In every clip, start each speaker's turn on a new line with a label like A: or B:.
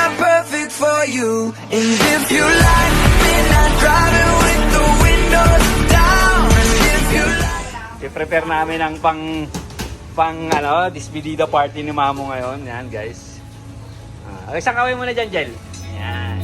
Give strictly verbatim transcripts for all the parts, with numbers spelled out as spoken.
A: not perfect for you. And if you like midnight driving with the windows down, and if you like,
B: I-prepare namin ang pang pang ano, despedida party ni Mamo ngayon. Yan, guys. Ah, isang kaway muna dyan, Jel. Yan.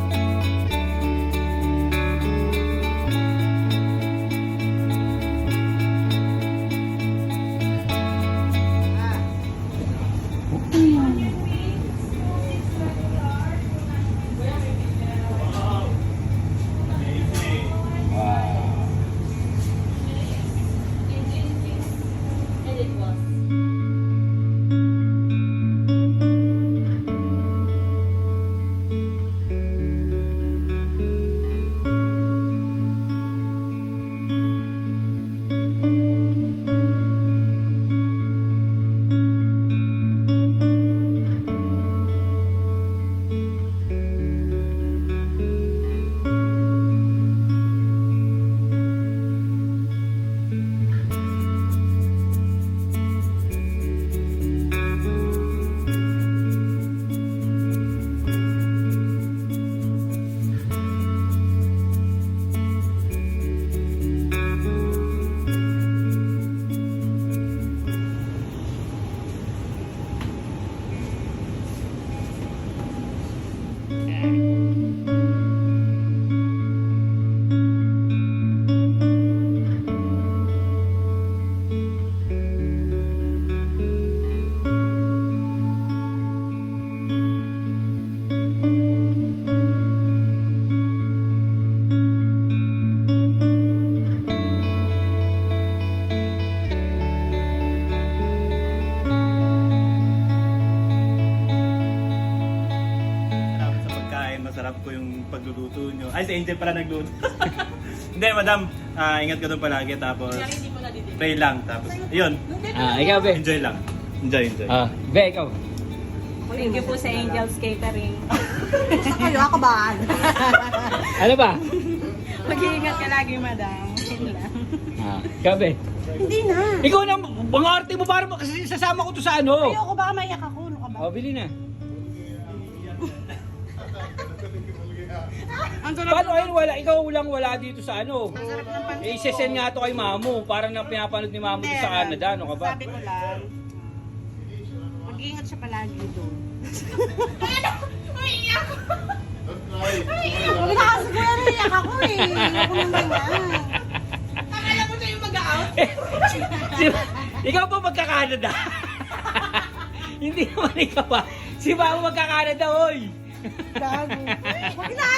C: Masarap po yung pagluluto nyo. Ay, si Angel pala nagluto. Hindi, madam. Ah, ingat ka doon palagi. Tapos, pray lang. Tapos, yun.
B: Ah, ikaw, Be.
C: Enjoy lang. Enjoy, enjoy.
B: Ah, Be, ikaw.
D: Thank you po sa Angels Catering.
E: Sa kayo, ako ba?
B: Ano ba?
D: Mag-iingat ka lagi, madam. Yun lang.
B: Ah, ikaw, Be.
E: Hindi na.
B: Ikaw na, mga arte mo para kasi sasama ko to sa ano.
E: Ayoko ba maiyak ako? Ano ka ba?
B: Oh, bili na.
D: Ang sarap
B: Paano ayun wala? Ikaw lang wala dito sa ano. Eh, isesend nga to kay Mamo. Parang na pinapanood ni Mamo dito sa Canada. Ano ka ba?
E: Sabi ko lang, mag-iingat siya palagi doon. Huwag na kasi ko yan, iyak ako eh. Ayoko naman yan.
D: Akala mo siya yung mag-out?
B: Si- ikaw ba magka-Canada? Hindi naman ikaw ba? Si Mamo magka-Canada, oy!
E: Gago. Huwag na!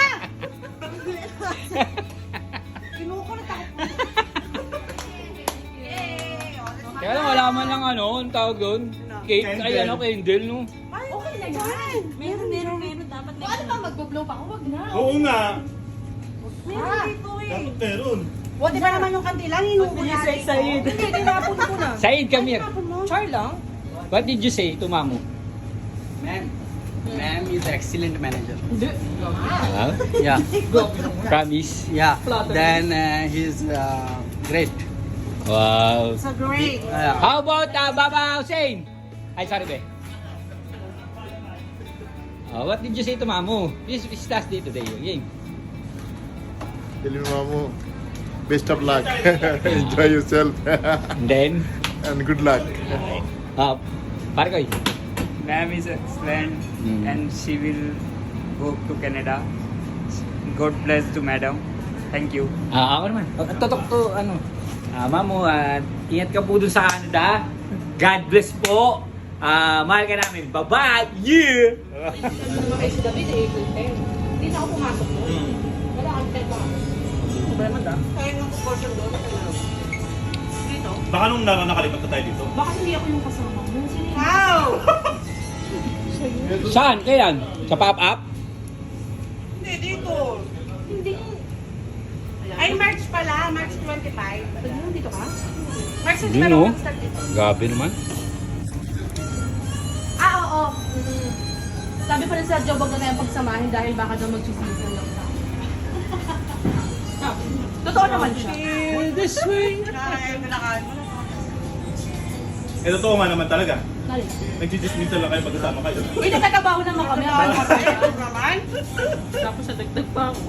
E: Kinukulit ako.
B: Kaya lang wala man lang ano, ang tawag doon. Cake, ay ano, candle, no?
E: Ay, okay na yan.
D: Meron, meron, meron. Dapat na. Ano ba, mag-blow pa ako? Wag na.
C: Oo nga.
E: Meron dito eh.
C: Dapat meron.
E: O, di ba naman yung kandila? Hinuko
D: Hindi,
E: natin.
D: Said.
E: Hindi, tinapon ko na.
B: Said, come here.
E: Tinapon mo.
D: Char lang.
B: What did you say to Mamo?
F: Ma'am, ma'am is excellent manager.
B: Uh,
F: Yeah,
B: promise.
F: yeah. Then uh, he's uh, great.
B: Wow.
E: So great.
F: Uh,
B: How about uh, Baba Hussein? Ay, sorry, be. Uh, what did you say to Mamo? This is last day today, yung game.
G: Tell me, Mamu, best of luck. Enjoy yourself
B: And then,
G: and good luck.
B: uh, pare ko
H: Ma'am is excellent
B: Mm.
H: and she will go to Canada. God bless to madam. Thank you.
B: Ah, ako naman. Totok to, ano. Ah, Mamo, at ingat ka po dun sa Canada. God bless po. Ah, mahal ka namin. Bye-bye! Yeah!
D: Ay, si David, eh, April tenth. Hindi na ako pumasok doon. Wala kang ten pa. Problema da.
E: Kaya nung portion doon, dito.
C: Baka nung na nakalipat na tayo dito.
D: Baka hindi ako yung kasama mo. Sino yun?
E: Wow!
B: Saan? Kailan? Sa pop-up?
E: Hindi, dito.
D: Hindi.
E: Ay, March pala. March twenty-five.
D: Ano, dito ka?
E: March
B: Yun,
E: twenty-five
B: no?
E: ako mag-start dito.
B: Gabi naman.
E: Ah, oo.
D: Mm. Sabi pa rin sa job, wag na tayong pagsamahin dahil baka daw mag-chismisan lang tayo. Totoo naman siya.
B: This way.
E: Ay, nalakaan mo na.
C: Eh, totoo nga naman talaga.
D: na rin.
C: Nagsisismita lang kayo pagkasama kayo.
D: Uy, nagtatrabaho naman kami. Akala ko naman. Tapos sa dagdag pa ako.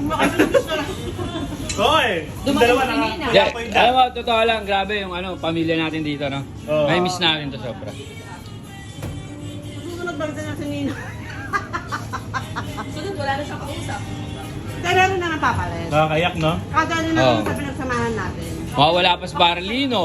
C: Oo eh. Yung
D: Dumating
C: dalawa
D: kami
C: na
D: nina.
B: Yeah, alam mo, totoo lang, grabe yung ano, pamilya natin dito, no?
C: Oo.
B: May miss natin to sobra.
E: Susunod ba rin si Nino?
D: Sunod, wala na siyang kausap.
E: Dala rin naman papalit.
C: Nakakayak, no?
E: Kada rin
B: Oo.
E: naman sa pinagsamahan natin.
B: Mawawala pa si Barlino.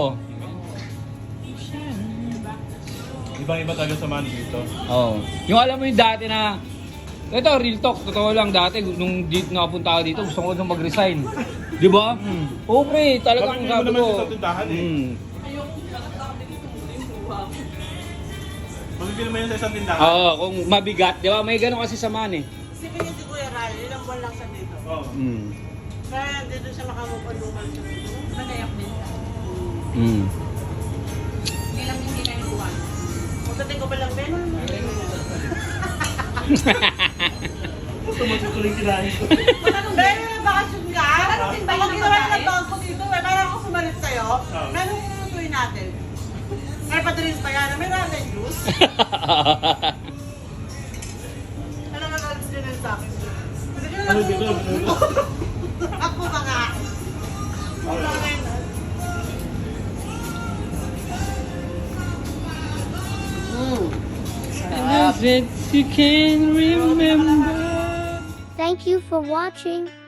C: Ibang-iba talaga sa man dito.
B: Oo. Yung alam mo yung dati na, ito, real talk, totoo lang dati, nung dito nakapunta ako dito, gusto ko nung mag-resign. Di ba? Oo, pre, talagang
C: Bakit hindi mo
B: sabi
C: naman
B: ko.
C: sa tindahan eh?
B: Hmm.
C: Mabibili mo yun sa isang tindahan.
B: Oo, kung mabigat, di ba? May ganun kasi sa man eh.
E: Isipin niyo si Kuya Ral, ilang buwan lang siya dito.
C: Oo.
B: Hmm.
E: Kaya dito siya makamupaluman siya dito.
D: Nagayak din siya.
B: Hmm.
D: Hindi lang hindi kayo buwan.
E: Pagdating ko pa lang, Ben.
C: Gusto mo ito yung kinain ko.
E: Ben, bakasyon ka?
D: Parating ba yun
E: Pag
D: ng
E: ginawa
D: babae?
E: ng bangko dito, eh, parang ako sumalit sa'yo.
C: Oo.
E: Meron yung lutuin natin. Ay, padrin pa yan. May ramen juice. Alam mo, nalit din sa akin. Hindi ko
C: Ano
E: lang
C: dito?
E: Ako ba nga?
B: You can remember.
I: Thank you for watching.